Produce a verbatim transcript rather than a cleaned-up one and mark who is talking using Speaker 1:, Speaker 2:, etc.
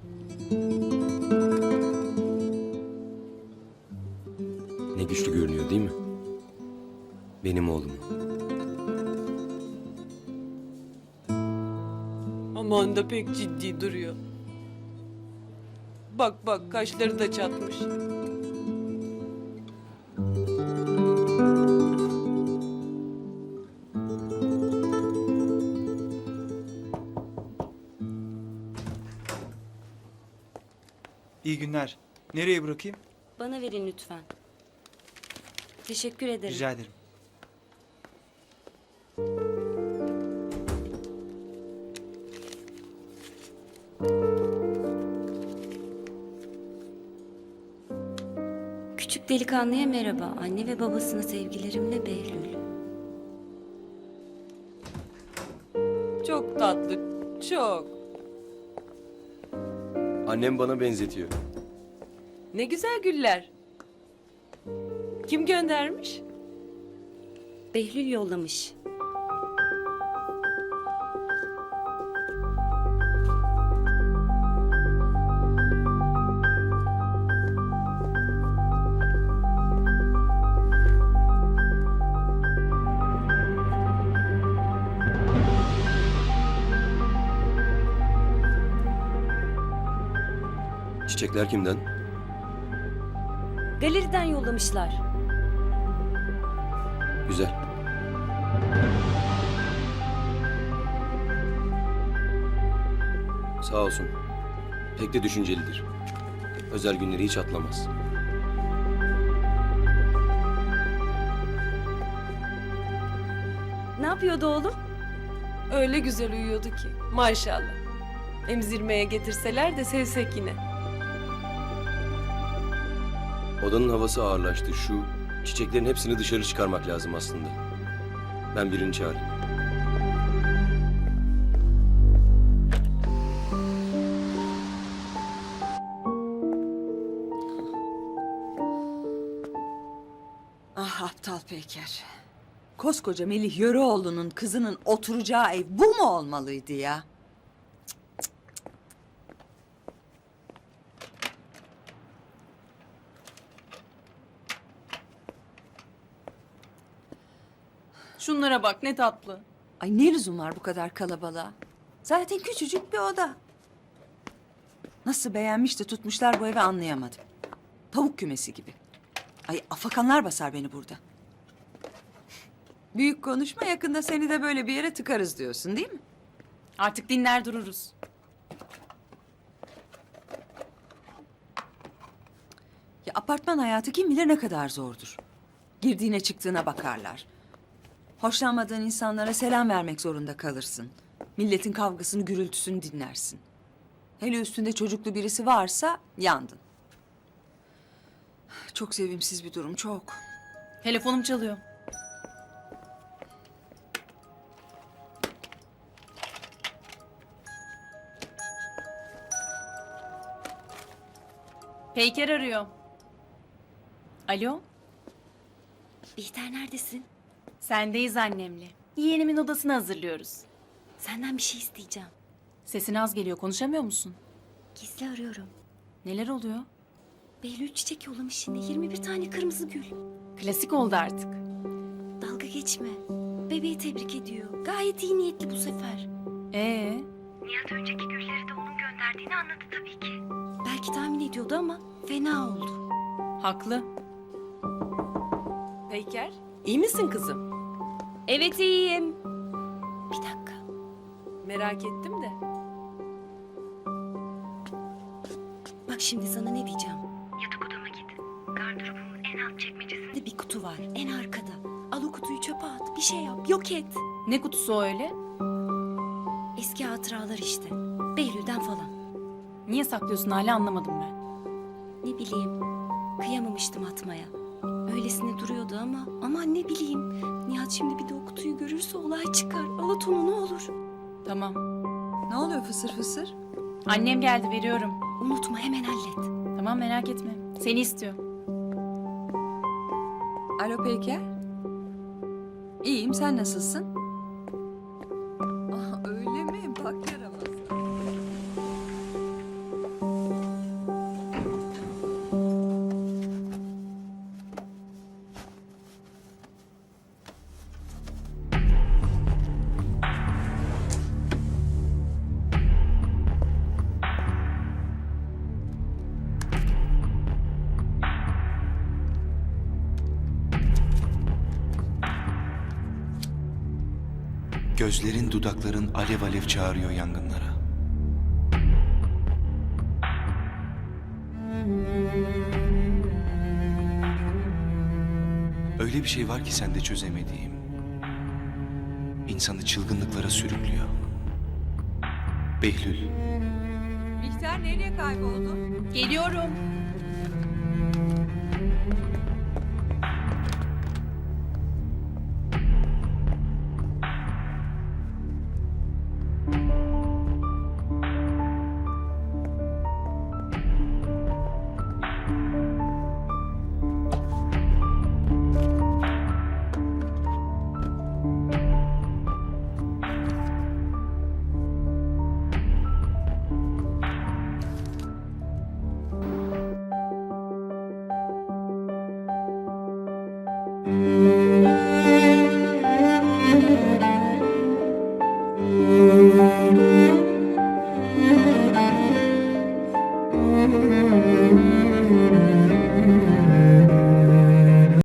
Speaker 1: Ne güçlü görünüyor değil mi? Benim oğlum.
Speaker 2: Aman da pek ciddi duruyor. Bak bak kaşları da çatmış.
Speaker 3: İyi günler. Nereye bırakayım?
Speaker 4: Bana verin lütfen. Teşekkür ederim.
Speaker 3: Rica ederim.
Speaker 4: Küçük delikanlıya merhaba. Anne ve babasına sevgilerimle Behlül.
Speaker 2: Çok tatlı, çok.
Speaker 1: Annem bana benzetiyor.
Speaker 2: Ne güzel güller. Kim göndermiş?
Speaker 4: Behlül yollamış.
Speaker 1: Çiçekler kimden?
Speaker 4: Galeriden yollamışlar.
Speaker 1: Güzel. Sağ olsun. Pek de düşüncelidir. Özel günleri hiç atlamaz.
Speaker 4: Ne yapıyordu oğlum?
Speaker 2: Öyle güzel uyuyordu ki. Maşallah. Emzirmeye getirseler de sevsek yine.
Speaker 1: Odanın havası ağırlaştı. Şu çiçeklerin hepsini dışarı çıkarmak lazım aslında. Ben birini çağırayım.
Speaker 5: Ah aptal Peker. Koskoca Melih Yöreoğlu'nun kızının oturacağı ev bu mu olmalıydı ya?
Speaker 6: Şunlara bak ne tatlı.
Speaker 5: Ay ne lüzum var bu kadar kalabalığa? Zaten küçücük bir oda. Nasıl beğenmiş de tutmuşlar bu evi anlayamadım. Tavuk kümesi gibi. Ay afakanlar basar beni burada. Büyük konuşma, yakında seni de böyle bir yere tıkarız diyorsun değil mi?
Speaker 6: Artık dinler dururuz.
Speaker 5: Ya apartman hayatı kim bilir ne kadar zordur. Girdiğine çıktığına bakarlar. Hoşlanmadığın insanlara selam vermek zorunda kalırsın. Milletin kavgasını, gürültüsünü dinlersin. Hele üstünde çocuklu birisi varsa yandın. Çok sevimsiz bir durum, çok.
Speaker 6: Telefonum çalıyor. Peyker arıyor. Alo,
Speaker 4: Bihter neredesin?
Speaker 6: sendeyiz annemle. Yeğenimin odasını hazırlıyoruz.
Speaker 4: Senden bir şey isteyeceğim.
Speaker 6: Sesin az geliyor, konuşamıyor musun?
Speaker 4: Gizli arıyorum.
Speaker 6: Neler oluyor?
Speaker 4: Behlül çiçek yollamış yine. yirmi bir tane kırmızı gül.
Speaker 6: Klasik oldu artık.
Speaker 4: Dalga geçme. Bebeği tebrik ediyor. Gayet iyi niyetli bu sefer.
Speaker 6: Ee,
Speaker 4: Nihat önceki gülleri de onun gönderdiğini anladı tabii ki. Belki tahmin ediyordu ama fena oldu.
Speaker 6: haklı.
Speaker 2: Peyker, iyi misin kızım?
Speaker 4: Evet iyiyim. Bir dakika.
Speaker 2: Merak ettim de.
Speaker 4: Bak şimdi sana ne diyeceğim. Yatak odama git. Gardırobumun en alt çekmecesinde bir kutu var. En arkada. Al o kutuyu çöpe at. Bir şey yap. Yok et.
Speaker 6: Ne kutusu o öyle?
Speaker 4: Eski hatıralar işte. Behlül'den falan.
Speaker 6: Niye saklıyorsun hala anlamadım ben.
Speaker 4: Ne bileyim. Kıyamamıştım atmaya. Öylesine duruyordu ama aman ne bileyim. Nihat şimdi bir de o kutuyu görürse olay çıkar. Alat onu ne olur.
Speaker 6: Tamam.
Speaker 5: Ne oluyor fısır fısır?
Speaker 6: Annem geldi, veriyorum.
Speaker 4: Unutma hemen hallet.
Speaker 6: Tamam, merak etme. Seni istiyor.
Speaker 5: Alo Peyker. İyiyim, sen nasılsın? Ah öyle mi? Bak yaramaz.
Speaker 3: Gözlerin, dudakların alev alev çağırıyor yangınlara. Öyle bir şey var ki sende çözemediğim. İnsanı çılgınlıklara sürüklüyor. Behlül.
Speaker 5: Bihter nereye kayboldu?
Speaker 6: Geliyorum.
Speaker 4: Müzik